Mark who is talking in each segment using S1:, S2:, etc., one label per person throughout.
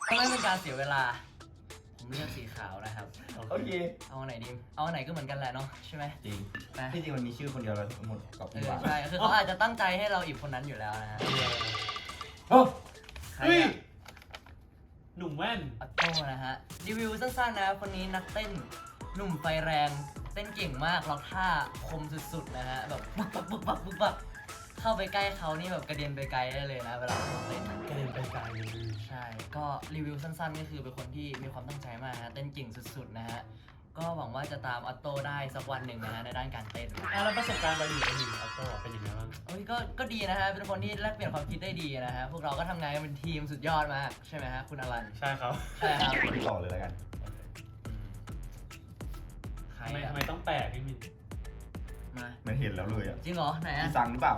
S1: ไม่เป็นการเสียเวลาผมเลือกสีขาวนะครับ
S2: โอเค
S1: เอาอันไหนดีเอาอันไหนก็เหมือนกันแหละเนาะใช่ไหม
S2: จริง
S1: นะ
S2: ที่จริงมันมีชื่อคนเดียวแล้วทั้งหมดกับคุณบาท
S1: ใช่คือเขาอาจจะตั้งใจให้เราอีกคนนั้นอยู่แล้วนะฮะ
S2: โอ้
S1: ใคร
S3: เฮ้ย
S1: อะ
S3: หนุ่มแว่น
S1: ออโต้นะฮะรีวิวสั้นๆนะคนนี้นักเต้นหนุ่มไฟแรงเต้นเก่งมากล็อกท่าคมสุดๆนะฮะแบบบึกบักบึกบักบึกบักเข้าไปใกล้เขานี่แบบกระเด็นไปไกลได้เลยนะเวลาเขาเต้น
S3: กระเด็นไปไกลเลย
S1: ใช่ก็รีวิวสั้นๆก็คือเป็นคนที่มีความตั้งใจมากฮะเต้นเก่งสุดๆนะฮะก็หวังว่าจะตามออโต้ได้สักวันหนึ่งนะฮะในด้านการเต้น
S3: แล้วประสบการณ์เราอยู่กับหนึ่งออโต้เป็นยังไงบ้าง
S1: เอ้ยก็ดีนะฮะเป็นคนที่แลกเปลี่ยนความคิดได้ดีนะฮะพวกเราก็ทำงานกันเป็นทีมสุดยอดมากใช่ไหมฮะคุณอลัน
S3: ใช่ครับ
S1: ใช่ครับ
S2: ต่อเลยแล้วกัน
S1: ใคร
S3: ทำไมต้องแปลกพี่มิน
S1: มา
S2: มันเห็นแล้วเลยอ่ะ
S1: จริงเหรอไหน
S2: จี
S1: อะ
S2: ซังหรือเปล่า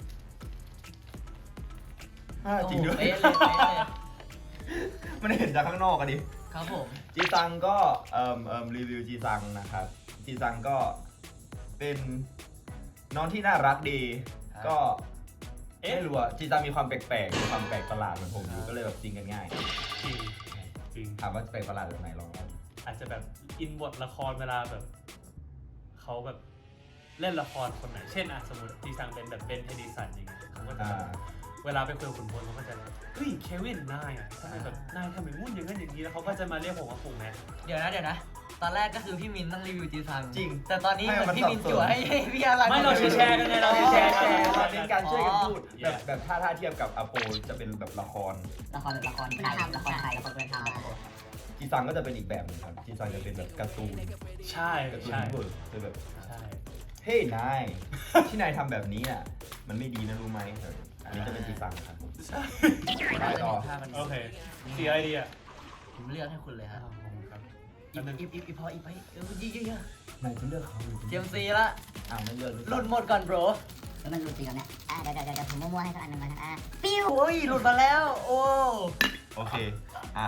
S2: จริงด้วย
S1: โอ้เป๊ะเลยเป๊ะเลย
S2: มันเห็นจากข้างนอกอะดิ
S1: ครับผม
S2: จีซังก็รีวิวจีซังนะครับจีซังก็เป็นน้องที่น่ารักดี ก็ไม่รู้อะจีซังมีความแปลกๆมีความแปลกประหลาดเหมือนผมอยู่ก็เลยแบบจริงกันง่าย
S3: จริงจริง
S2: ถามว่าแปลกประหลาดแบบไหนลองเล่า
S3: อาจจะแบบอินบทละครเวลาแบบเขาแบบเล่นละครคนไหนเช่นสมมติจีซังเป็นแบบเบนเทดิสันอย่างเงี้ยเขาก็จะแบบเวลาไปคุยกับขุนพลเขาก็จะแบบเฮ้ยเควินนายทำไมแบบนายทำไมมุ่นอย่างนั้นอย่างนี้แล้วเขาก็จะมาเรียกผมว่าปู่แม็ก
S1: เดี๋ยวนะตอนแรกก็คือพี่มินต้องรีวิวจีซัง
S2: จริง
S1: แต่ตอนนี้เหมือนพี่มินจั่วให้พี่อลัน
S3: ไม่เราแชร์กันไงเราแชร์
S2: เราเป็นการช่วยกันพูดแบบถ้าเทียบกับอโปจะเป็นแบบละคร
S4: ละครไทยละครไทยละครเพื่อนทำละคร
S2: จีซังก็จะเป็นอีกแบบหนึงครับจีซังจะเป็นแบบการ์ตูน
S3: ใช่
S2: การ์ตูน
S3: ใช่
S2: เวิร์กคือแบบ
S3: ใช่
S2: เฮ้ยนาย ที่นายทำแบบนี้อ่ะมันไม่ดีนะรู้ไหมอันนี้จะเป็นจีซังครับ
S1: เราจะเห็นภาพมัน
S3: โอเคสีอะไรดีอ่ะ
S1: ผมเลือกให้คุณเลยฮะ
S3: ขอบคุณครับ
S1: อีพออีไปเยอะ
S2: นายจะเลือกเขาหรือ
S1: ๆเจมซีละ
S2: อ้าวไม่เลือก
S1: หลุดหมดก่อนโบร
S4: แล้วมันรู้จริงแล้วเนี่ยเดี๋ยวผมมั่วๆให้สักอันหนึ่งมาปิ้ว
S1: โอ้ยหลุดมาแล้วโอ้
S2: โอเคอ่ะ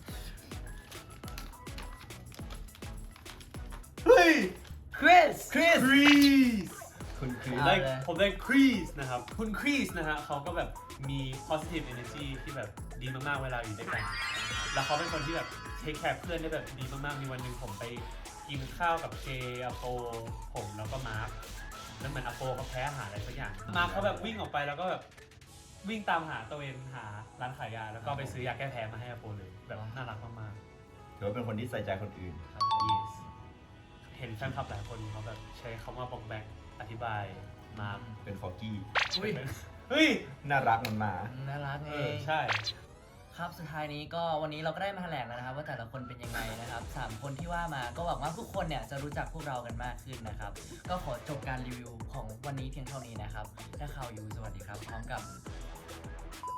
S2: เฮ้ย
S1: คริส
S2: คริส
S3: ครีส
S2: คุณคริส
S1: เอา
S3: ได้
S1: เลย
S3: ผมได้ครีสนะครับคุณครีสนะฮะเขาก็แบบมี positive energy ที่แบบดีมากๆเวลาอยู่ด้วยกัน แล้วเขาเป็นคนที่แบบเทคแคร์เพื่อนได้แบบดีมากๆมีวันหนึ่งผมไปกินข้าวกับเจอโปผมแล้วก็มาร์คแล้วเหมือนอโปเขาแพ้อาหารอะไรสักอย่างมาร์คเขาแบบวิ่งออกไปแล้วก็แบบวิ่งตามหาตัวเองหาร้านขายยาแล้วก็ไปซื้อยาแก้แพ้มาให้อโปเลยแบบน่ารักมาก
S2: ถือว่าเป็นคนที่ใส่ใจคนอื่น
S3: ๆครับ yes เห็นแฟนคลับหลายคนเขาแบบใช้คำว่าบอกแบกอธิบายมาร์ค
S2: เป็นฟอร์กี้
S1: อุ้ย
S3: เฮ้ย
S2: น่ารักมันมา
S1: น่ารักเอง
S3: ใช่
S1: ครับสุดท้ายนี้ก็วันนี้เราก็ได้มาแถลงแล้วนะครับว่าแต่ละคนเป็นยังไงนะครับ3คนที่ว่ามาก็หวังว่าทุกคนเนี่ยจะรู้จักพวกเรากันมากขึ้นนะครับก็ขอจบการรีวิวของวันนี้เพียงเท่านี้นะครับถ้าข่าวอยู่สวัสดีครับพร้อมกับ